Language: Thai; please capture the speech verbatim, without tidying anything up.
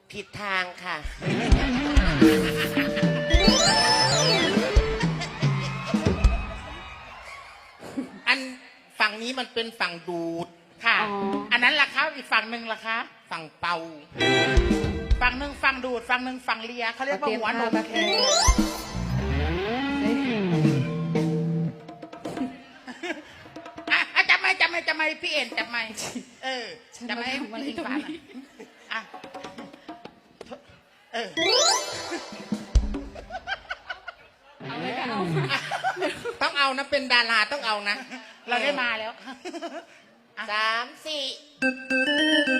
ผิดทางค่ะอันฝั่งนี้มันเป็นฝั่งดูดค่ะอ๋ออันนั้นล่ะคะอีกฝั่งหนึ่งล่ะคะฝั่งเป่าฝั่งหนึ่งฝั่งดูดฝั่งหนึ่งฝั่งเลียเขาเรียกว่าหัวนมแค่อ่ะจับไม่จับไม่จับไม่พี่เอ็นจับไม่เออจับไม่อิงฟ้าอ่ะเออเอาไว้ก็เอาต้องเอานะเป็นดาราต้องเอานะ เราได้มาแล้วสามสี่